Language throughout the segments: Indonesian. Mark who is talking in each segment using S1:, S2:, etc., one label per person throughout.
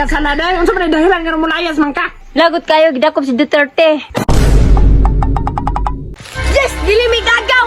S1: kasana day, unsa man dahilan nga mulayas man ka?
S2: Lagot kayo gidakop si Duterte.
S3: Yes, dili mi gagaw.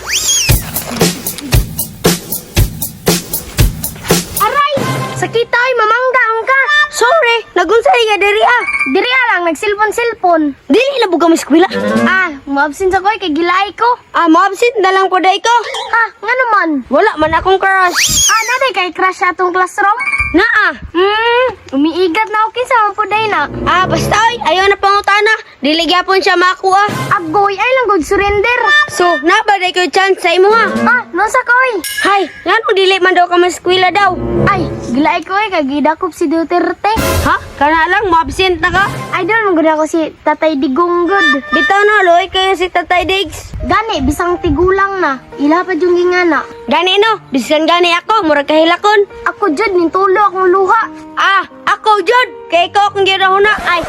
S3: Aray, sakit ay mamanggang ka. Sorry, nagunsay nga diri ah. Diri lang nagsilpon-silpon. Dili na buga mo eskwela. Maabsent ako kay gilay ko. Maabsent na lang po day ko. Nga naman. Wala man akong crush. Naday kay crush sa atong classroom? Naa. Umiigat na okay sa po day na. Basta oy, ayaw na pangutana. Dili gyapon siya makuha. Agoy, ay lang gud surrender. So, nabaday ko chance sa imo ha. Nosa koy. Hay, ngano dili man daw ka mo eskwela daw? Ay, gilay ko kay gidakop si Duterte. Ha? Kana lang mo-absent na ka? Idol mo gud ako si Tatay Digong good. Bitaw na loy kayo si Tatay Digs. Gani bisang tigulang na. Ila pa jung gingana. Gani no, bisan gani ako murag kahilakon. Ako jud nin tulo akong luha. Ako jud kay ko akong ginahuna ay.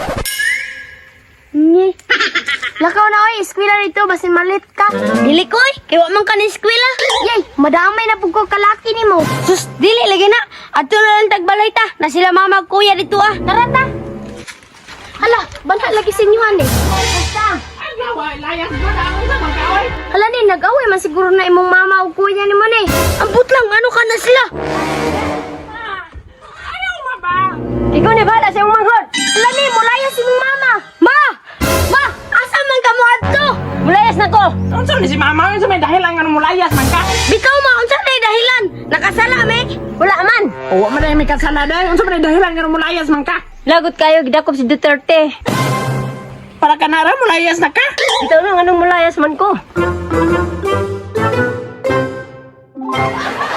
S3: Lakaw na oy, eskwela dito basin malit ka. Dili ko oy, kay wa man ka ni eskwela. Yay, madamay na pug ko kalaki nimo. Sus, dili lagi na. Adto na lang tagbalay ta, na sila mama ug kuya dito ah. Tara ta. Hala, bala lagi sa inyo ane. Basta.
S1: Ay, layas mo na unsa man ka oy?
S3: Hala ni, nag-away man siguro na imong mama ug kuya nimo ni. Ambot lang, ano ka na sila?
S1: Ayaw mo ba?
S3: Ikaw ni bala sa imong manghod. Hala ni, mulayas si imong mama. Ma! Asa man ka mo adto? Mulayas na ko.
S1: Unsa ni si mama, unsa may dahilan nga mulayas man ka?
S3: Bitaw ma, unsa day dahilan? Nakasala me? Wala man.
S1: O wa man day may kasana day, unsa man dahilan nga mulayas man ka?
S2: Lagot kayo gidakop si Duterte.
S1: Para ka na ra mulayas na ka?
S2: Bitaw na anong mulayas man ko.